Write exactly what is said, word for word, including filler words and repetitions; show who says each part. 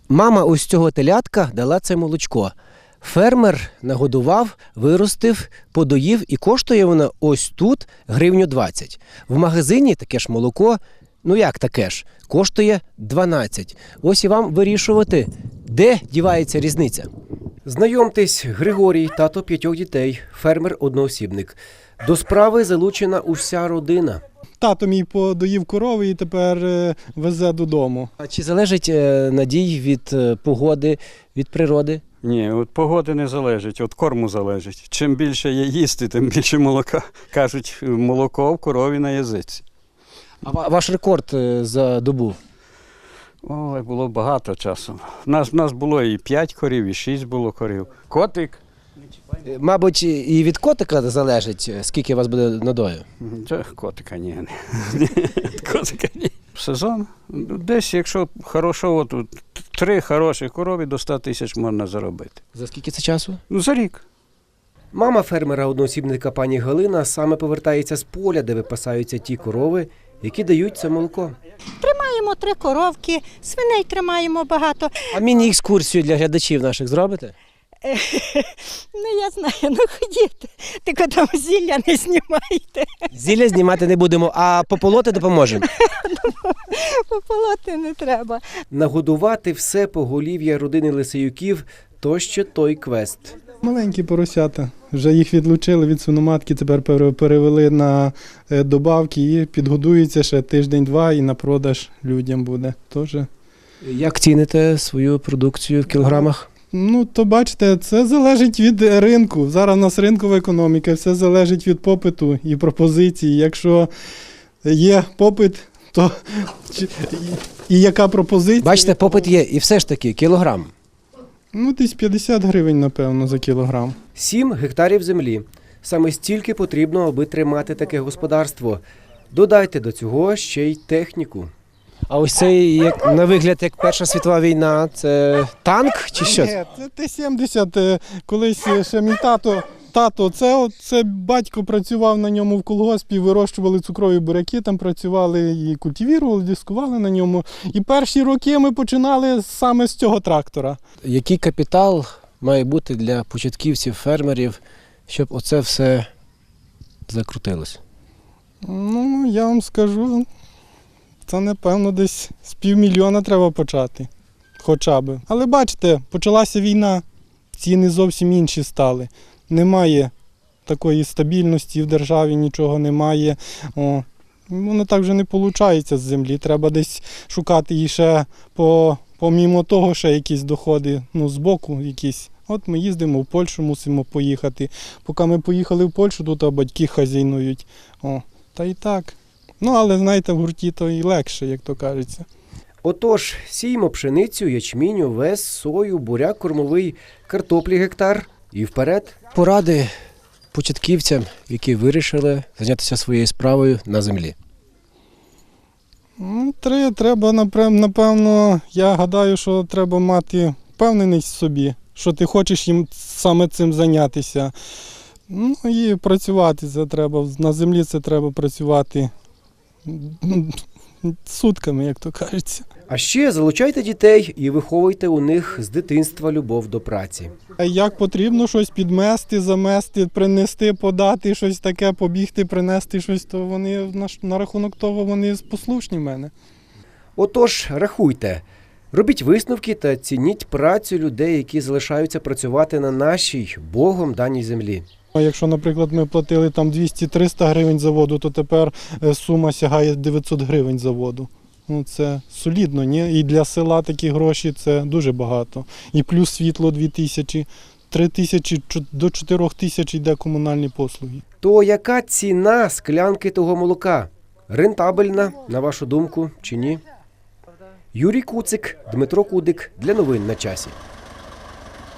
Speaker 1: Мама ось цього телятка дала це молочко. Фермер нагодував, виростив, подоїв і коштує воно ось тут гривню двадцять. В магазині таке ж молоко, ну як таке ж, коштує дванадцять. Ось і вам вирішувати, де дівається різниця. Знайомтесь, Григорій, тато п'ятьох дітей, фермер-одноосібник. До справи залучена уся родина.
Speaker 2: Тато мій подоїв корови і тепер е, везе додому.
Speaker 1: А чи залежить е, надій від е, погоди, від природи?
Speaker 3: Ні, від погоди не залежить, від корму залежить. Чим більше є їсти, тим більше молока. Кажуть, молоко в корові на язиці.
Speaker 1: А ва- ваш рекорд е, за добу?
Speaker 3: Ой, було багато часу. У нас, у нас було і п'ять корів, і шість було корів. Котик.
Speaker 1: Е, Мабуть, і від котика залежить, е, скільки у вас буде надою?
Speaker 3: Це котика ні. ні. Котика ні. Сезон. Десь, якщо хорошого, то три хороші корови до ста тисяч можна заробити.
Speaker 1: За скільки це часу?
Speaker 3: Ну, за рік.
Speaker 1: Мама фермера-одноосібника пані Галина саме повертається з поля, де випасаються ті корови, які дають це молоко.
Speaker 4: Тримаємо три коровки, свиней тримаємо багато.
Speaker 1: А міні-екскурсію для глядачів наших зробите?
Speaker 4: Ну, я знаю, ну ходіть, тільки там зілля не знімайте,
Speaker 1: Зілля знімати не будемо, а пополоти допоможемо.
Speaker 4: пополоти не треба.
Speaker 1: Нагодувати все поголів'я родини Лисеюків – то ще той квест.
Speaker 2: Маленькі поросята. Вже їх відлучили від свиноматки, тепер пере- перевели на е, добавки і підгодуються ще тиждень-два і на продаж людям буде. Тож,
Speaker 1: Як ціните свою продукцію в кілограмах?
Speaker 2: ну, то бачите, це залежить від ринку. Зараз у нас ринкова економіка, все залежить від попиту і пропозиції. Якщо є попит, то чи- і, і яка пропозиція?
Speaker 1: Бачите, попит є, і все ж таки кілограм.
Speaker 2: Ну, десь п'ятдесят гривень, напевно, за кілограм.
Speaker 1: Сім гектарів землі. Саме стільки потрібно, аби тримати таке господарство. Додайте до цього ще й техніку. А ось цей, як, на вигляд, як Перша світова війна, це танк чи що?
Speaker 2: Ні, це Т сімдесят. е, Колись ще мій тато, тато, це, от- це батько працював на ньому в колгоспі, вирощували цукрові буряки, там працювали і культивірували, дискували на ньому. І перші роки ми починали саме з цього трактора.
Speaker 1: Який капітал має бути для початківців, фермерів, щоб оце все закрутилось?
Speaker 2: Ну, я вам скажу, це, напевно, десь з півмільйона треба почати. Хоча би. Але бачите, почалася війна, ціни зовсім інші стали. Немає такої стабільності в державі, нічого немає. О, воно так вже не виходить з землі. Треба десь шукати і ще, по, помімо того, ще якісь доходи, ну, з боку якісь. От ми їздимо в Польщу, мусимо поїхати. Поки ми поїхали в Польщу, тут а батьки хазяйнують. О, та і так. Ну, але, знаєте, в гурті то і легше, як то кажеться.
Speaker 1: Отож, сіємо пшеницю, ячмінь, овес, сою, буряк кормовий, картоплі гектар і вперед. Поради початківцям, які вирішили зайнятися своєю справою на землі.
Speaker 2: Ну, три, треба, напрям- напевно, я гадаю, що треба мати впевненість в собі, що ти хочеш їм саме цим зайнятися. Ну і працювати це треба. На землі це треба працювати ну, сутками, як то кажеться.
Speaker 1: А ще залучайте дітей і виховуйте у них з дитинства любов до праці.
Speaker 2: А як потрібно щось підмести, замести, принести, подати, щось таке, побігти, принести щось, то вони на, ш- на рахунок того вони послушні в мене.
Speaker 1: Отож, рахуйте, робіть висновки та цініть працю людей, які залишаються працювати на нашій, Богом даній землі.
Speaker 2: А якщо, наприклад, ми платили там двісті-триста гривень за воду, то тепер е, сума сягає дев'ятсот гривень за воду. Ну, це солідно, ні? І для села такі гроші це дуже багато. І плюс світло дві тисячі, три тисячі чо- до чотирьох тисяч йде комунальні послуги.
Speaker 1: То яка ціна склянки того молока? Рентабельна, на вашу думку, чи ні? Юрій Куцик, Дмитро Кудик. Для новин на часі.